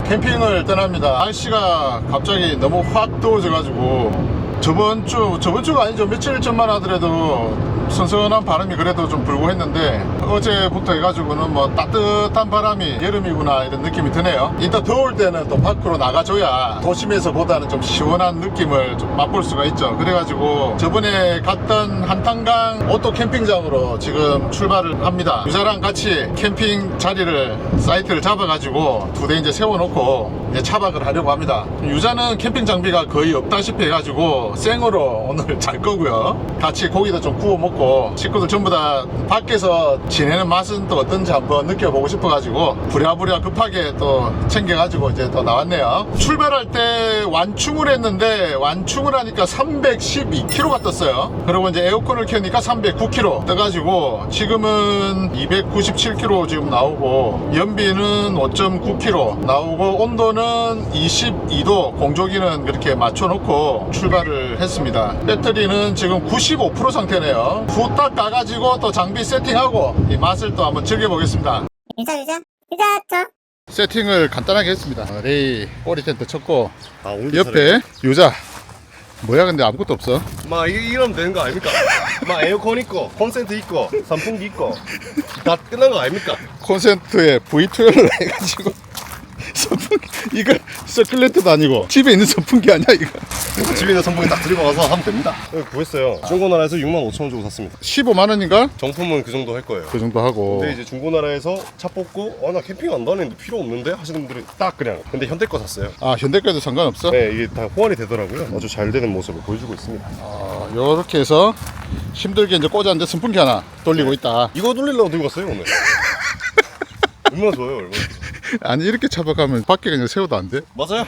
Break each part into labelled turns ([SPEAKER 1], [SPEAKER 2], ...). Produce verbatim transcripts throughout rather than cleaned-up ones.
[SPEAKER 1] 캠핑을 떠납니다. 날씨가 갑자기 너무 확 더워져 가지고 저번 주 저번 주가 아니죠, 며칠 전만 하더라도 선선한 바람이 그래도 좀 불고 했는데 어제부터 해가지고는 뭐 따뜻한 바람이 여름이구나 이런 느낌이 드네요. 이따 더울 때는 또 밖으로 나가줘야 도심에서 보다는 좀 시원한 느낌을 좀 맛볼 수가 있죠. 그래가지고 저번에 갔던 한탄강 오토 캠핑장으로 지금 출발을 합니다. 유자랑 같이 캠핑 자리를 사이트를 잡아가지고 두 대 이제 세워놓고 이제 차박을 하려고 합니다. 유자는 캠핑 장비가 거의 없다시피 해가지고 생으로 오늘 잘 거고요. 같이 고기도 좀 구워 먹고 식구들 전부 다 밖에서 지내는 맛은 또 어떤지 한번 느껴보고 싶어가지고 부랴부랴 급하게 또 챙겨가지고 이제 또 나왔네요. 출발할 때 완충을 했는데 완충을 하니까 삼백십이 킬로미터가 떴어요. 그리고 이제 에어컨을 켜니까 삼백구 킬로미터 떠가지고 지금은 이백구십칠 킬로미터 지금 나오고 연비는 오 점 구 킬로미터 나오고 온도는 이십이 도 공조기는 그렇게 맞춰놓고 출발을 했습니다. 배터리는 지금 구십오 퍼센트 상태네요. 후딱 가가지고 또 장비 세팅하고 이 맛을 또 한번 즐겨보겠습니다.
[SPEAKER 2] 유자 유자 유자 저
[SPEAKER 1] 세팅을 간단하게 했습니다. 레이 꼬리 텐트 쳤고
[SPEAKER 3] 아,
[SPEAKER 1] 옆에 유자 뭐야 근데 아무것도 없어.
[SPEAKER 3] 막 이게 이러면 되는 거 아닙니까? 막 에어컨 있고 콘센트 있고 선풍기 있고 다 끝난 거 아닙니까?
[SPEAKER 1] 콘센트에 브이 트웰브를 해가지고 선풍기 이거 서큘레이터도 아니고 집에 있는 선풍기 아니야 이거.
[SPEAKER 3] 집에 있는 선풍기 딱 들고 와서 하면 됩니다. 구했어요. 중고나라에서 육만 오천 원 주고 샀습니다.
[SPEAKER 1] 십오만 원인가?
[SPEAKER 3] 정품은 그 정도 할 거예요.
[SPEAKER 1] 그 정도 하고.
[SPEAKER 3] 근데 이제 중고나라에서 차 뽑고 어 나 캠핑 안 다니는데 필요 없는데 하시는 분들이 딱 그냥 근데 현대 거 샀어요.
[SPEAKER 1] 아 현대 거에도 상관없어?
[SPEAKER 3] 네, 이게 다 호환이 되더라고요. 아주 잘 되는 모습을 보여주고 있습니다.
[SPEAKER 1] 아, 요렇게 해서 힘들게 이제 꽂았는데 선풍기 하나 돌리고 있다.
[SPEAKER 3] 이거 돌리려고 들고 왔어요 오늘. 얼마나 좋아요, 얼마나 좋아요.
[SPEAKER 1] 아니 이렇게 차박하면 밖에 그냥 세워도 안 돼?
[SPEAKER 3] 맞아요.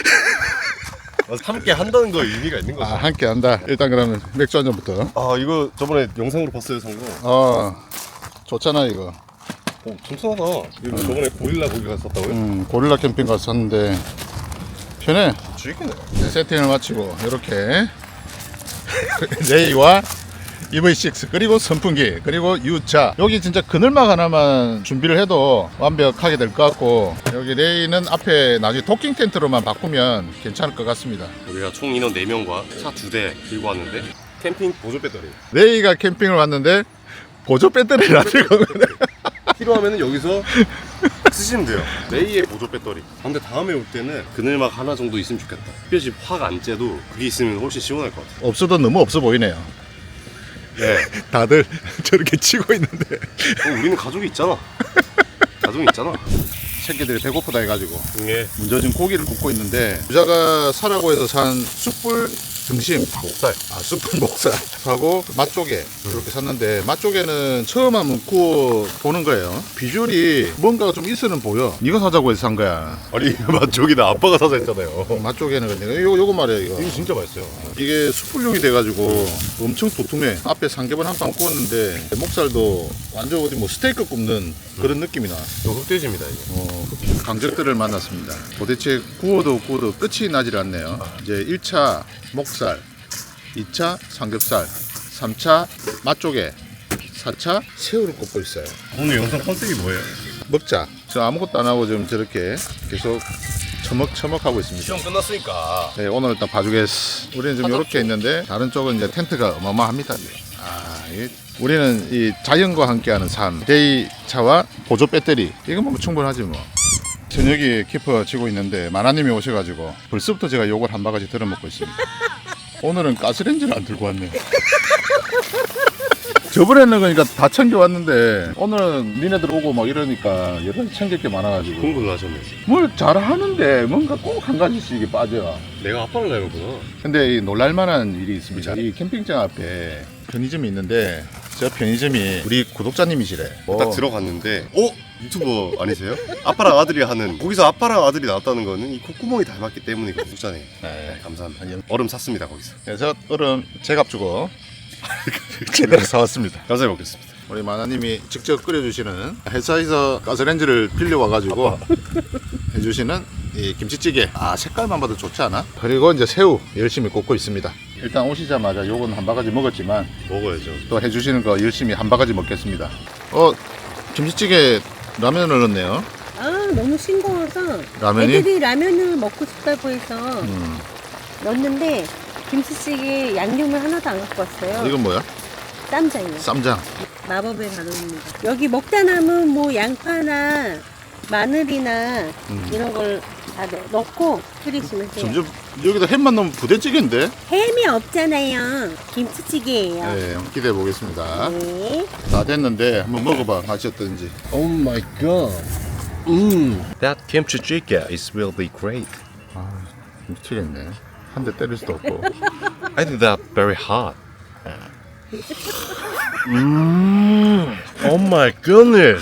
[SPEAKER 3] 함께 한다는 거에 의미가 있는 거죠.
[SPEAKER 1] 아 함께 한다. 일단 그러면 맥주 한 잔부터.
[SPEAKER 3] 아 이거 저번에 영상으로 봤어요, 산 거.
[SPEAKER 1] 어 좋잖아 이거.
[SPEAKER 3] 오, 튼튼하다. 이거 저번에 고릴라 고기 갔었다고요?
[SPEAKER 1] 음 고릴라 캠핑 가서 샀는데 편해.
[SPEAKER 3] 주익이네.
[SPEAKER 1] 네, 세팅을 마치고 이렇게 레이와 이브이 식스 그리고 선풍기 그리고 유자 여기 진짜 그늘막 하나만 준비를 해도 완벽하게 될 것 같고 여기 레이는 앞에 나중에 도킹 텐트로만 바꾸면 괜찮을 것 같습니다.
[SPEAKER 3] 우리가 총 인원 네 명과 차 두 대 들고 왔는데 캠핑 보조 배터리
[SPEAKER 1] 레이가 캠핑을 왔는데 보조 배터리를 안 들고 오면
[SPEAKER 3] 필요하면 여기서 쓰시면 돼요. 레이의 보조 배터리. 근데 다음에 올 때는 그늘막 하나 정도 있으면 좋겠다. 햇볕이 확 안 쬐도 그게 있으면 훨씬 시원할 것 같아.
[SPEAKER 1] 없어도 너무 없어 보이네요.
[SPEAKER 3] 네.
[SPEAKER 1] 다들 저렇게 치고 있는데
[SPEAKER 3] 어, 우리는 가족이 있잖아. 가족이 있잖아.
[SPEAKER 1] 새끼들이 배고프다 해가지고
[SPEAKER 3] 예.
[SPEAKER 1] 문저진 고기를 굽고 있는데 유자가 사라고 해서 산 숯불 등심
[SPEAKER 3] 목살.
[SPEAKER 1] 아 숯불 목살 하고 맛조개 이렇게 샀는데 맛조개는 처음 한번 구워 보는 거예요. 비주얼이 뭔가가 좀 있어는 보여. 이거 사자고 해서 산 거야.
[SPEAKER 3] 아니 저기다 아빠가 사자 했잖아요.
[SPEAKER 1] 맛조개는 근데 요, 요거 말이야 이거.
[SPEAKER 3] 이거 진짜 맛있어요.
[SPEAKER 1] 이게 숯불용이 돼가지고 엄청 도톰해. 앞에 삼겹을 한 판 구웠는데 목살도 완전 어디 뭐 스테이크 굽는 그런 느낌이 나.
[SPEAKER 3] 이거 흑돼지입니다 이게.
[SPEAKER 1] 어, 강적들을 만났습니다. 도대체 구워도 구워도 끝이 나질 않네요. 이제 일 차 목살, 이 차 삼겹살, 삼 차 맛조개, 사 차 새우를 굽고 있어요.
[SPEAKER 3] 오늘 영상 컨셉이 뭐예요?
[SPEAKER 1] 먹자. 저 아무것도 안 하고 지금 저렇게 계속 처먹처먹 하고 있습니다.
[SPEAKER 3] 시험 끝났으니까.
[SPEAKER 1] 네, 오늘 일단 봐주겠어. 우리는 지금 이렇게 있는데 다른 쪽은 이제 텐트가 어마어마합니다. 아, 이, 우리는 이 자연과 함께하는 삶. 레이 차와 보조 배터리. 이거 뭐 충분하지 뭐. 저녁이 깊어지고 있는데 마나님이 오셔가지고 벌써부터 제가 욕을 한 바가지 들어먹고 있습니다. 오늘은 가스레인지를 안 들고 왔네요. 저번에는 그러니까 다 챙겨왔는데 오늘은 니네들 오고 막 이러니까 여러 가지 챙길 게 많아가지고
[SPEAKER 3] 공부를 하셨네.
[SPEAKER 1] 뭘 잘하는데 뭔가 꼭 한 가지씩 빠져.
[SPEAKER 3] 내가 아빠를 닮았구나.
[SPEAKER 1] 근데 이 놀랄만한 일이 있습니다. 이 캠핑장 앞에 편의점이 있는데 저 편의점이 우리 구독자님이시래.
[SPEAKER 3] 딱 들어갔는데 어? 유튜버 아니세요? 아빠랑 아들이 하는 거기서 아빠랑 아들이 나왔다는 거는 이 콧구멍이 닮았기 때문에 구독자네. 네, 감사합니다. 얼음 샀습니다 거기서.
[SPEAKER 1] 그래서 얼음 제값 주고 제대로 사왔습니다.
[SPEAKER 3] 감사히 먹겠습니다.
[SPEAKER 1] 우리 마나님이 직접 끓여주시는 회사에서 가스레인지를 빌려와가지고 해주시는 이 김치찌개. 아 색깔만 봐도 좋지 않아? 그리고 이제 새우 열심히 굽고 있습니다. 일단 오시자마자 요건 한 바가지 먹었지만
[SPEAKER 3] 먹어야죠.
[SPEAKER 1] 또 해주시는 거 열심히 한 바가지 먹겠습니다. 어 김치찌개 라면을 넣었네요.
[SPEAKER 2] 아
[SPEAKER 4] 너무 싱거워서
[SPEAKER 1] 라면이?
[SPEAKER 4] 애들이 라면을 먹고 싶다고 해서
[SPEAKER 1] 음.
[SPEAKER 4] 넣었는데 김치찌개 양념을 하나도 안 갖고 왔어요.
[SPEAKER 1] 이건 뭐야?
[SPEAKER 4] 쌈장이요.
[SPEAKER 1] 쌈장.
[SPEAKER 4] 마법의 단어입니다. 여기 먹다 남은 뭐 양파나 마늘이나
[SPEAKER 1] 음.
[SPEAKER 4] 이런 걸 다 넣고 끓이시면 돼요.
[SPEAKER 1] 점점 여기다 햄만 넣으면 부대찌개인데?
[SPEAKER 4] 햄이 없잖아요. 김치찌개예요.
[SPEAKER 1] 네, 기대해 보겠습니다.
[SPEAKER 4] 네.
[SPEAKER 1] 다 됐는데 한번 먹어봐. 맛이 어떤지.
[SPEAKER 3] Oh my god. Mm. That kimchi jjigae is really great.
[SPEAKER 1] 아, 미치겠네. 한 대 때릴 수도 없고.
[SPEAKER 3] I think that very hot. Mm. Oh my goodness.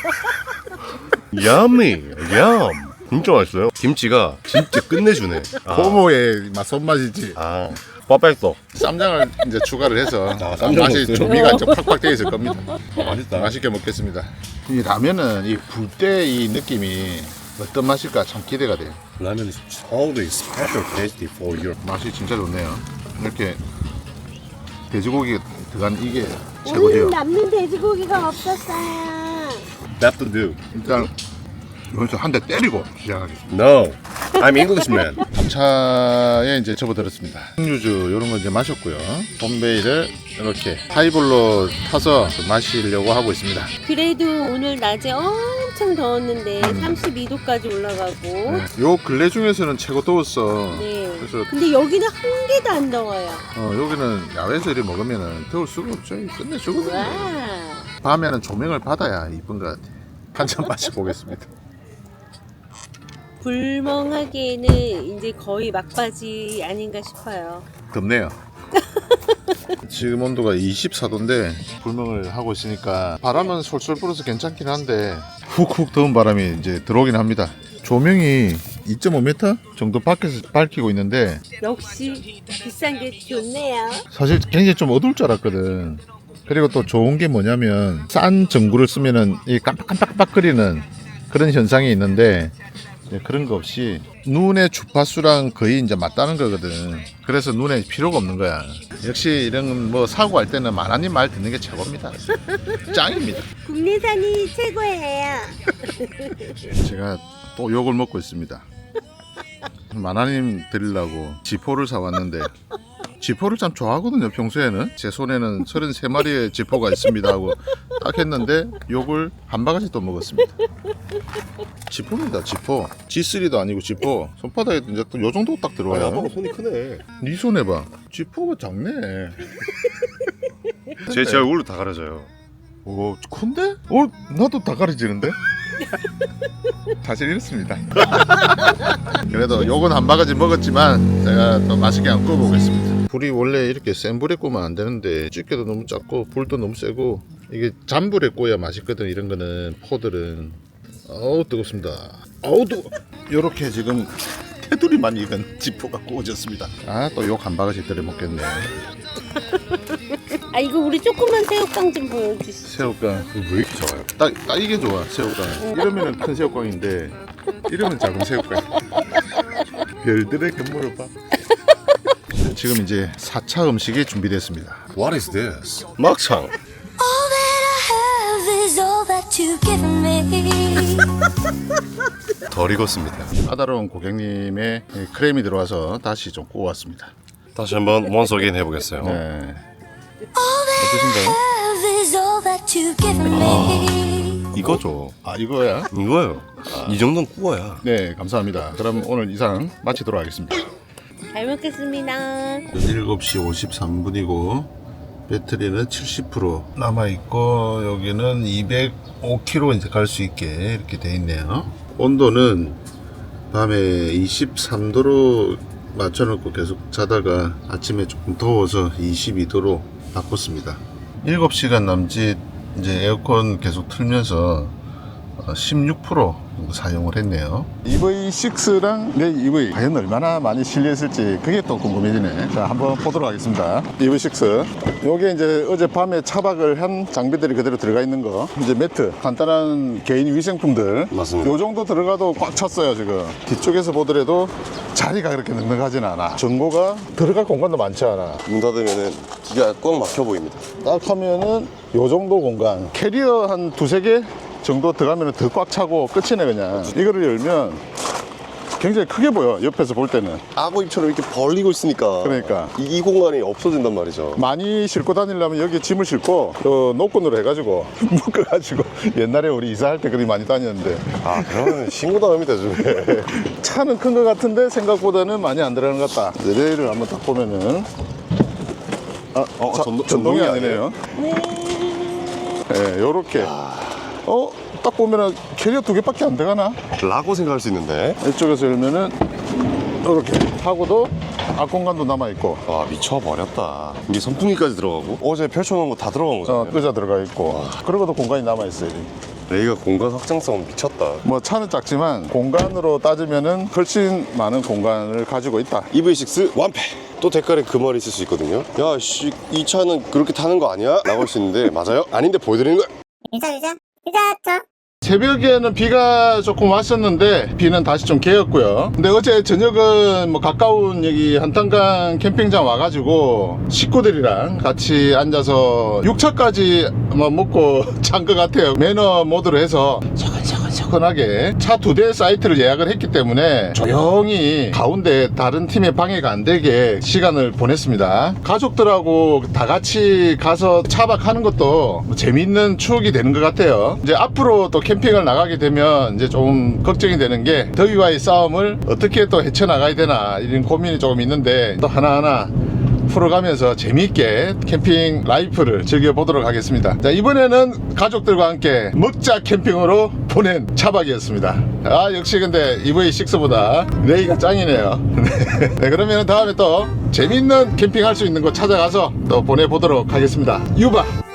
[SPEAKER 3] Yummy. Yum. 진짜 맛있어요. 김치가 진짜 끝내주네. 아,
[SPEAKER 1] 고모의 맛 손맛이지.
[SPEAKER 3] 아, 퍼펙토.
[SPEAKER 1] 쌈장을 이제 추가를 해서
[SPEAKER 3] 아, 쌈장
[SPEAKER 1] 맛이
[SPEAKER 3] 넣었어요?
[SPEAKER 1] 조미가 이제 팍팍 되어 있을 겁니다.
[SPEAKER 3] 맛있다.
[SPEAKER 1] 맛있게 먹겠습니다. 이 라면은 이 불 때 이 느낌이 어떤 맛일까 참 기대가 돼요.
[SPEAKER 3] 라면 is totally special tasty for your.
[SPEAKER 1] 맛이 진짜 좋네요. 이렇게 돼지고기 들어간 이게
[SPEAKER 4] 오늘
[SPEAKER 1] 최고죠.
[SPEAKER 4] 남는 돼지고기가 없었어요.
[SPEAKER 3] That to do.
[SPEAKER 1] 일단 여기서 한 대 때리고 시작하겠습니다.
[SPEAKER 3] No, I'm Englishman.
[SPEAKER 1] 차에 이제 접어들었습니다. 육류주 이런 거 이제 마셨고요. 봄베이를 이렇게 하이볼로 타서 마시려고 하고 있습니다.
[SPEAKER 4] 그래도 오늘 낮에 엄청 더웠는데
[SPEAKER 1] 음.
[SPEAKER 4] 삼십이 도까지 올라가고
[SPEAKER 1] 네. 요 근래 중에서는 최고 더웠어.
[SPEAKER 4] 네.
[SPEAKER 1] 그래서
[SPEAKER 4] 근데 여기는 한 개도 안 더워요.
[SPEAKER 1] 어, 여기는 야외에서 이렇게 먹으면 더울 수가 없죠. 끝내주거든요.
[SPEAKER 4] 와.
[SPEAKER 1] 밤에는 조명을 받아야 이쁜 것 같아. 한 잔 마셔보겠습니다.
[SPEAKER 4] 불멍하기에는 이제 거의 막바지 아닌가 싶어요.
[SPEAKER 1] 덥네요. 지금 온도가 이십사 도인데 불멍을 하고 있으니까 바람은 솔솔 불어서 괜찮긴 한데 훅훅 더운 바람이 이제 들어오긴 합니다. 조명이 이 점 오 미터 정도 밖에서 밝히고 있는데
[SPEAKER 4] 역시 비싼 게 좋네요.
[SPEAKER 1] 사실 굉장히 좀 어두울 줄 알았거든. 그리고 또 좋은 게 뭐냐면 싼 전구를 쓰면은 이 깜빡깜빡거리는 그런 현상이 있는데 네, 그런 거 없이 눈의 주파수랑 거의 이제 맞다는 거거든. 그래서 눈에 필요가 없는 거야. 역시 이런 뭐 사고할 때는 마나님 말 듣는 게 최고입니다. 짱입니다.
[SPEAKER 4] 국내산이 최고예요.
[SPEAKER 1] 제가 또 욕을 먹고 있습니다. 마나님 드리려고 지포를 사왔는데 지포를 참 좋아하거든요. 평소에는 제 손에는 서른세 마리의 지포가 있습니다 하고 딱 했는데 욕을 한 바가지 또 먹었습니다. 지포입니다. 지포. 지 쓰리도 아니고 지포. 손바닥에 이제 또 요 정도 딱 들어와요.
[SPEAKER 3] 아빠가 손이 크네.
[SPEAKER 1] 네 손에 봐. 지포가 작네.
[SPEAKER 3] 제, 제 얼굴로 다 가려져요.
[SPEAKER 1] 오, 큰데? 어, 나도 다 가려지는데? 사실 이렇습니다. 그래도 요건 한 바가지 먹었지만 제가 또 맛있게 한번 구워보겠습니다. 불이 원래 이렇게 센 불에 구우면 안 되는데 집게도 너무 작고 불도 너무 세고 이게 잔불에 구워야 맛있거든. 이런 거는 포들은. 어우 뜨겁습니다. 어우 뜨거. 요렇게 지금 테두리만 익은 지포가 구워졌습니다. 아 또 욕 한 바가지 들여 먹겠네.
[SPEAKER 4] 아 이거 우리 조그만 새우깡 좀 보여주시죠.
[SPEAKER 1] 새우깡.
[SPEAKER 3] 왜 이렇게 작아요?
[SPEAKER 1] 딱, 딱 이게 좋아. 새우깡. 이러면은 큰 새우깡인데 이러면 작은 새우깡. 별들의 견물을 봐. 지금 이제 사 차 음식이 준비됐습니다.
[SPEAKER 3] What is this? 막창.
[SPEAKER 2] All that I have is all that you've given me.
[SPEAKER 3] 덜 익었습니다.
[SPEAKER 1] 까다로운 고객님의 크림이 들어와서 다시 좀 구워왔습니다.
[SPEAKER 3] 다시 한번 once again 해보겠어요.
[SPEAKER 1] 네.
[SPEAKER 2] All that
[SPEAKER 1] 어떠신가요?
[SPEAKER 2] I have is all that you've given me.
[SPEAKER 3] 이거죠.
[SPEAKER 1] 아 이거야?
[SPEAKER 3] 이거요. 이 정도는 구워야.
[SPEAKER 1] 네 감사합니다. 그럼 오늘 이상 마치도록 하겠습니다.
[SPEAKER 4] 잘 먹겠습니다.
[SPEAKER 1] 일곱 시 오십삼 분이고 배터리는 칠십 퍼센트 남아있고 여기는 이백오 킬로미터 이제 갈 수 있게 이렇게 돼 있네요. 온도는 밤에 이십삼 도로 맞춰놓고 계속 자다가 아침에 조금 더워서 이십이 도로 바꿨습니다. 일곱 시간 남짓 이제 에어컨 계속 틀면서 십육 퍼센트 사용을 했네요. 이브이 식스랑 내 이브이 과연 얼마나 많이 실려있을지 그게 또 궁금해지네. 자 한번 보도록 하겠습니다. 이브이 식스 요게 이제 어젯밤에 차박을 한 장비들이 그대로 들어가 있는 거, 이제 매트, 간단한 개인 위생품들
[SPEAKER 3] 맞습니다.
[SPEAKER 1] 요 정도 들어가도 꽉 찼어요. 지금 뒤쪽에서 보더라도 자리가 그렇게 넉넉하진 않아. 전고가 들어갈 공간도 많지 않아.
[SPEAKER 3] 문 닫으면은 기가 꽉 막혀 보입니다.
[SPEAKER 1] 딱 하면은 요 정도 공간, 캐리어 한 두세 개 정도 들어가면 더 꽉 차고 끝이네 그냥. 이거를 열면 굉장히 크게 보여 옆에서 볼 때는.
[SPEAKER 3] 악어 입처럼 이렇게 벌리고 있으니까
[SPEAKER 1] 그러니까.
[SPEAKER 3] 이, 이 공간이 없어진단 말이죠.
[SPEAKER 1] 많이 싣고 다니려면 여기 짐을 싣고 또 노끈으로 해가지고 묶어가지고 옛날에 우리 이사할 때 그리 많이 다녔는데
[SPEAKER 3] 아, 그러면 신고당합니다 좀.
[SPEAKER 1] 차는 큰 것 같은데 생각보다는 많이 안 들어가는 것 같다. 레일을 한번 딱 보면은 아,
[SPEAKER 3] 어,
[SPEAKER 1] 자,
[SPEAKER 3] 전동-
[SPEAKER 1] 전동이
[SPEAKER 3] 전동이
[SPEAKER 1] 아니네요. 네, 요렇게. 어, 딱 보면은 캐리어 두 개밖에 안 들어가나?
[SPEAKER 3] 라고 생각할 수 있는데.
[SPEAKER 1] 이쪽에서 열면은 이렇게 하고도 앞공간도 남아있고
[SPEAKER 3] 와, 미쳐버렸다. 이게 선풍기까지 들어가고 어제 펼쳐놓은 거 다 들어간
[SPEAKER 1] 어,
[SPEAKER 3] 거잖아요.
[SPEAKER 1] 의자 들어가 있고 그러고도 공간이 남아있어요.
[SPEAKER 3] 레이가 공간 확장성 미쳤다.
[SPEAKER 1] 뭐 차는 작지만 공간으로 따지면은 훨씬 많은 공간을 가지고 있다.
[SPEAKER 3] 이브이 식스 완패. 또 댓글에 그 말이 있을 수 있거든요. 야, 씨, 이 차는 그렇게 타는 거 아니야? 라고 할 수 있는데 맞아요? 아닌데 보여드리는 거야.
[SPEAKER 2] 유자 유자 유자 저
[SPEAKER 1] 새벽에는 비가 조금 왔었는데 비는 다시 좀 개었고요. 근데 어제 저녁은 뭐 가까운 여기 한탄강 캠핑장 와가지고 식구들이랑 같이 앉아서 육 차까지 뭐 먹고 잔 것 같아요. 매너 모드로 해서 차근차근차근하게 차 두 대 사이트를 예약을 했기 때문에 조용히 가운데 다른 팀에 방해가 안 되게 시간을 보냈습니다. 가족들하고 다 같이 가서 차박하는 것도 뭐 재미있는 추억이 되는 것 같아요. 이제 앞으로 또 캠핑을 나가게 되면 이제 좀 걱정이 되는 게 더위와의 싸움을 어떻게 또 헤쳐나가야 되나 이런 고민이 조금 있는데 또 하나하나 풀어가면서 재미있게 캠핑 라이프를 즐겨보도록 하겠습니다. 자, 이번에는 가족들과 함께 먹자 캠핑으로 보낸 차박이었습니다. 아, 역시 근데 이브이 식스보다 레이가 짱이네요. 네, 그러면 다음에 또 재미있는 캠핑 할 수 있는 곳 찾아가서 또 보내보도록 하겠습니다. 유바!